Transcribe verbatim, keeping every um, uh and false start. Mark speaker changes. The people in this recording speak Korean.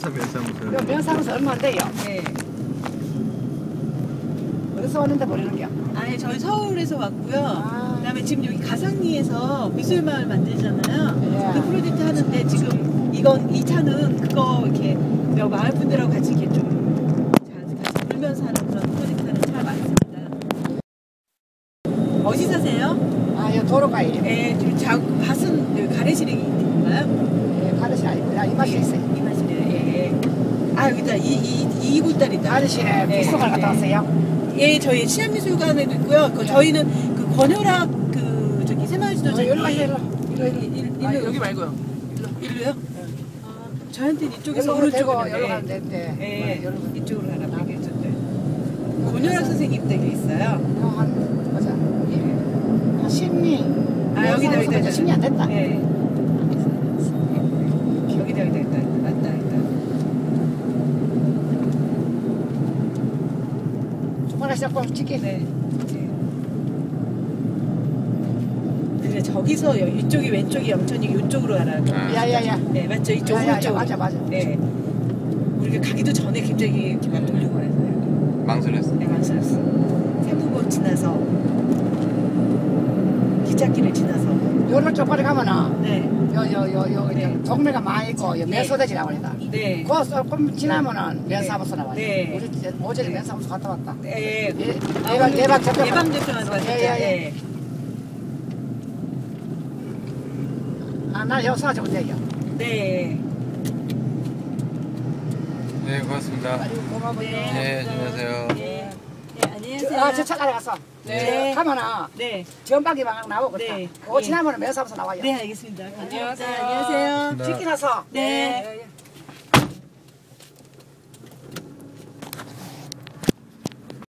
Speaker 1: 얼마입니까 면사무소?
Speaker 2: 요 면사무소 얼마인데요?
Speaker 3: 네.
Speaker 2: 어디서 왔는데 모르는겨?
Speaker 3: 아니 저희 서울에서 왔고요.
Speaker 2: 아.
Speaker 3: 그다음에 지금 여기 가상리에서 미술마을 만들잖아요.
Speaker 2: 예.
Speaker 3: 그 프로젝트 하는데 지금 이건 이 차는 그거 이렇게 몇 마을 분들하고 같이 이렇게 좀 같이 놀면서 하는 그런 프로젝트 하는 차 많습니다. 어디 사세요?
Speaker 2: 아, 요 도로가에.
Speaker 3: 네, 지금 자, 밭은 여기 가래시랭이 있는 건가요?
Speaker 2: 예, 가르시 아니고, 아, 이 맛이 있어요.
Speaker 3: 이 맛이네요. 예, 예. 아 여기다 이이 이구달이다.
Speaker 2: 가르시에
Speaker 3: 네,
Speaker 2: 비속을 갔다
Speaker 3: 네.
Speaker 2: 왔어요.
Speaker 3: 예, 저희 치안미술관에도 있고요. 그
Speaker 2: 네.
Speaker 3: 저희는 그 권혈학 그 저기 새마을지도자
Speaker 2: 어, 일로 와, 일로, 일로. 일로,
Speaker 3: 일-
Speaker 2: 일로.
Speaker 3: 일-
Speaker 2: 아,
Speaker 3: 일로 여기 말고요. 일로요? 아, 저한테는 이쪽에서
Speaker 2: 여기로 대고
Speaker 3: 오른쪽으로
Speaker 2: 여기로 가면 되는데.
Speaker 3: 예,
Speaker 2: 여기로.
Speaker 3: 이쪽으로 가라고 얘기해줬대. 권혈학 선생님 댁에 있어요.
Speaker 2: 한, 보자. 한 십리.
Speaker 3: 아 여기다 여기다
Speaker 2: 이제 십리 안 됐다.
Speaker 3: 예. 여기다 여기다 여기다 맞다 여기다.
Speaker 2: 주말에 시작하면 찍게.
Speaker 3: 네. 그래 저기서 여- 이쪽이 왼쪽이 영천이 이쪽으로 가라고.
Speaker 1: 아.
Speaker 2: 야야야.
Speaker 3: 네 맞죠 이쪽
Speaker 2: 야, 야, 야,
Speaker 3: 오른쪽.
Speaker 2: 맞아, 맞아.
Speaker 3: 네. 우리가 가기도 전에 갑자기 이렇게 막 돌리고 그래서요.
Speaker 1: 망설였어.
Speaker 3: 네 망설였어. 세무고 지나서 기찻길을 지나서.
Speaker 2: 요런 쪽까지 가면은,
Speaker 3: 네.
Speaker 2: 요, 요, 요, 요,
Speaker 3: 네.
Speaker 2: 동네가 많이 있고, 요 면소대지라고 합니다.
Speaker 3: 네.
Speaker 2: 그거 조금 지나면은 면사무소 나와요.
Speaker 3: 네.
Speaker 2: 우리 이제 오전에 면사무소 갔다 왔다.
Speaker 3: 네.
Speaker 2: 예,
Speaker 3: 아,
Speaker 2: 예방,
Speaker 3: 오늘
Speaker 2: 예방 접종.
Speaker 3: 예방 접종하는 거
Speaker 2: 예,
Speaker 3: 진짜.
Speaker 2: 예, 예.
Speaker 3: 예.
Speaker 2: 아, 나 여기서 가지고 돼요.
Speaker 3: 네.
Speaker 1: 네, 고맙습니다.
Speaker 2: 아주 고마워요.
Speaker 1: 네, 안녕하세요.
Speaker 3: 네. 네, 안녕하세요.
Speaker 2: 아, 저 차까지 갔어.
Speaker 3: 네.
Speaker 2: 가면은
Speaker 3: 네.
Speaker 2: 전방기 방향 나오고 그렇다.
Speaker 3: 네.
Speaker 2: 그거
Speaker 3: 예.
Speaker 2: 지나면은 면사무소 나와요.
Speaker 3: 네, 알겠습니다.
Speaker 2: 안녕하세요.
Speaker 3: 안녕하세요.
Speaker 1: 네.
Speaker 2: 찍기 나서.
Speaker 3: 네.
Speaker 2: 예, 예.